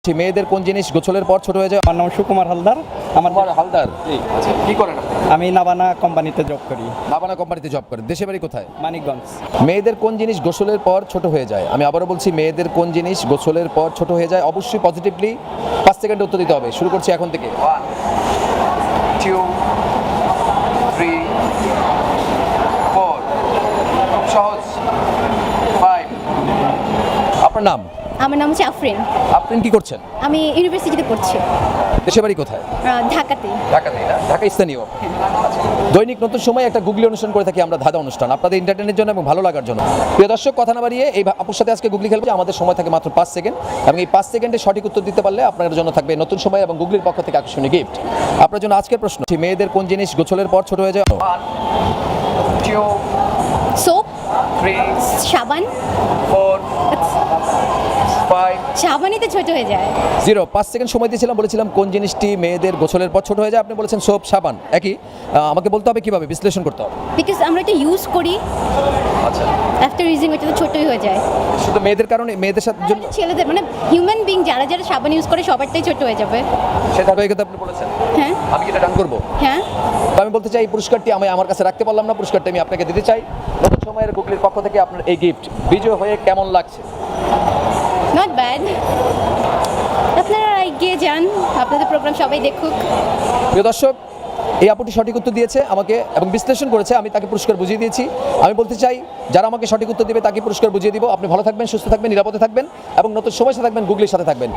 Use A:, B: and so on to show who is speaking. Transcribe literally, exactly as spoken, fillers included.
A: মেয়েদের কোন জিনিস গোছলের পর ছোট হয়ে যায়?
B: আমার নাম সুকুমার হালদার। আমার
A: আমার হালদার। আচ্ছা, কি করেন আপনি?
B: আমি নাবানা কোম্পানিতে জব করি,
A: নাবানা কোম্পানিতে জব করেন। দেশে বাড়ি কোথায়?
B: মানিকগঞ্জ।
A: মেয়েদের কোন জিনিস গোসলের পর ছোট হয়ে যায়? আমি আবারও বলছি, মেয়েদের কোন জিনিস গোসলের পর ছোট হয়ে যায়? অবশ্যই পজিটিভলি পাঁচ সেকেন্ডে উত্তর দিতে হবে। শুরু করছি এখন থেকে। One two three four. খুব সহজ। ফাইভ। আপনার নাম?
C: আমার নাম হচ্ছে আফরিন।
A: আপনি কি করছেন?
C: আমি ইউনিভার্সিটিতে পড়ছি,
A: দেশে বাড়ি কোথায়?
C: আহ, ঢাকাতে।
A: ঢাকাতে না? ঢাকা স্থানীয়। দৈনিক নতুন সময় একটা গুগলি অনুষ্ঠান করে থাকি আমরা, ধাঁধা অনুষ্ঠান, আপনাদের এন্টারটেনের জন্য এবং ভালো লাগার জন্য। প্রিয় দর্শক, কথা না বাড়িয়ে এই আপুর সাথে আজকে গুগলি খেলবো। আমাদের সময় থাকে মাত্র পাঁচ সেকেন্ড এবং এই পাঁচ সেকেন্ডে সঠিক উত্তর দিতে পারলে আপনাদের জন্য থাকবে নতুন সময় এবং গুগলির পক্ষ থেকে আকর্ষণীয় গিফট। আপনার জন্য আজকের প্রশ্ন, মেয়েদের কোন জিনিস গোছলের পর ছোট হয়ে যায়?
C: সোপ, সাবান। সাবানিতে ছোট হয়ে যায়।
A: জিরো। পাঁচ সেকেন্ড সময় দিয়েছিলাম, বলেছিলাম কোন জিনিসটি মেয়েদের গোছলের পর ছোট হয়ে যায়। আপনি বলেছেন সোপ, সাবান। একই। আহ, আমাকে বলতে হবে কিভাবে, বিশ্লেষণ করতে হবে।
C: বিকজ আমরা এটা ইউজ করি,
A: আচ্ছা,
C: আফটার ইউজিং ওটা তো ছোটই হয়ে যায়।
A: শুধু মেয়েদের কারণে, মেয়েদের সাথে জন্য
C: ছেলেদের মানে হিউম্যান বিং যারা যারা সাবান ইউজ করে সবারটাই ছোট হয়ে যাবে।
A: সেটা হয়ে গেছে। আপনি বলেছেন
C: হ্যাঁ
A: আমি কি এটা ডান করবো?
C: হ্যাঁ।
A: তো আমি বলতে চাই, এই পুরস্কারটি আমি আমার কাছে রাখতে পারলাম না, পুরস্কারটি আমি আপনাকে দিতে চাই। নতুন সময়ের গুগলির পক্ষ থেকে আপনার এই গিফট। বিজয় হয়ে কেমন লাগছে?
C: Not bad. আপনারা এগিয়ে যান, আপনাদের প্রোগ্রাম সবাই দেখুক।
A: প্রিয় দর্শক, এই আপুটি সঠিক উত্তর দিয়েছে আমাকে এবং বিশ্লেষণ করেছে, আমি তাকে পুরস্কার বুঝিয়ে দিয়েছি। আমি বলতে চাই, যারা আমাকে সঠিক উত্তর দেবে তাকে পুরস্কার বুঝিয়ে দিব। আপনি ভালো থাকবেন, সুস্থ থাকবেন, নিরাপদে থাকবেন এবং নতুন সময়ের সাথে থাকবেন, গুগলির সাথে থাকবেন।